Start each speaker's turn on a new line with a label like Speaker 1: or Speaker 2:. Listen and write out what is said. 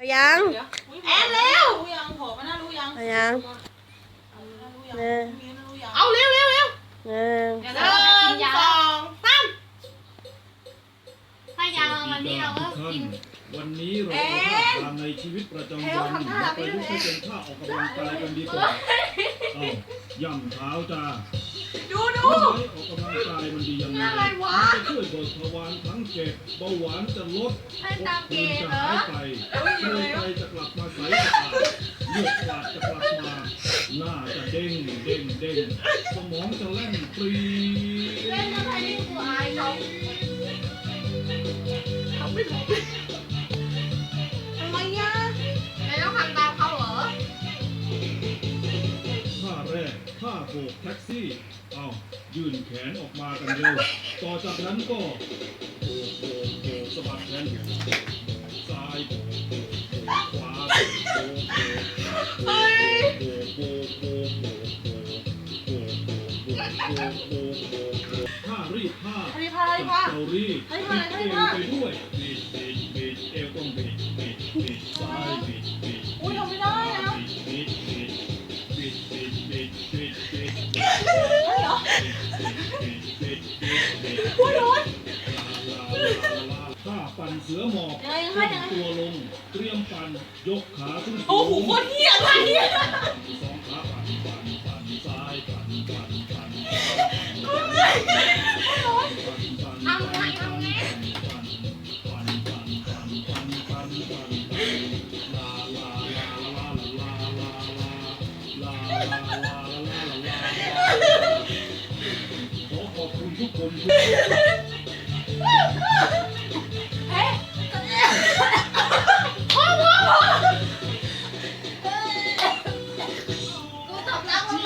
Speaker 1: ยัง
Speaker 2: แอนเร็ว
Speaker 3: รู้ยังโผล่มาน่ารู้ยัง
Speaker 1: ยัง
Speaker 3: รู้ยัง
Speaker 1: หนึ่ง
Speaker 3: รู้ยัง
Speaker 2: เอาเร็วเร็วเร็ว
Speaker 1: หนึ่ง
Speaker 2: หนึ่งสองสาม
Speaker 4: ถ้ายาวันนี้เราก็กิน
Speaker 5: วันนี้เราเอาท่าทางในชีวิตประจำวันมาประยุกต์ให้เป็นท่าออกกำลังกายกันดีกว่าเอาย่ำเท้าจ้า
Speaker 2: ดู
Speaker 5: ออกกำลังกายมันดียังไง
Speaker 2: อะไรวะ
Speaker 5: มันจะช่วยเบิกทวารทั้งเจ็ดเบาหวานจะลด
Speaker 4: ให้ตามเก
Speaker 5: ภูมิ
Speaker 4: ณฑ์
Speaker 5: จะ
Speaker 4: เหรอ
Speaker 5: หายไปเลือดไตจะกลับมาใสสะอาดเลือดฝาดจะกลับมาหน้าจะเด้งเด้งเด้งสมองจะแล่นปรี
Speaker 4: เล่นอะไรนี่กูอายเขา
Speaker 2: ทำไม่ถูกทำไมอ่ะ
Speaker 4: ไม่ต้องทำตามเขาเหรอ
Speaker 5: ท่าแรกท่าโบกแท็กซี่เอายื่นแขนออกมากันเร็วต่อจากนั้นก็โบกโบกโบกสะบัดแขนซ้ายโบกโบกโบกขวาโบกโบกโบก
Speaker 2: เฮ้ย
Speaker 5: โบกโบกโบกโบกโบกโบกโบกโบกโบกโบกโบกท่ารีดผ้า
Speaker 2: รีพารีพา
Speaker 5: เตารีด
Speaker 2: ให้
Speaker 5: บิ
Speaker 2: มา
Speaker 5: ด
Speaker 2: ให้
Speaker 5: เอว
Speaker 2: มา
Speaker 5: ไปด้วยบิดบิดบิดเอวต้องบิดบิดบิดซ้ายบิดบิด
Speaker 2: อุ้ยทำไม่ได้นะ
Speaker 5: บิดบิดบิดบิดบิดบิดบิดบิด
Speaker 2: ได้เหรอ
Speaker 5: บิดบิดบิด
Speaker 2: อุ้ยร้อน
Speaker 5: ถ้าปั่นเสือหมอบ
Speaker 2: ยังไง
Speaker 5: ก้มตัวลงเตรียมปั่นยกขาขึ้นสูง
Speaker 2: โอ้โหโคตรเหี้ยอะไรเนี่ย
Speaker 5: สองขาปั่นปั่นปั่นซ้ายปั่นปั่นปั่น
Speaker 4: ทำไงทำไง
Speaker 5: ขอขอบคุณทุกคน
Speaker 4: กูตบแล้วมึง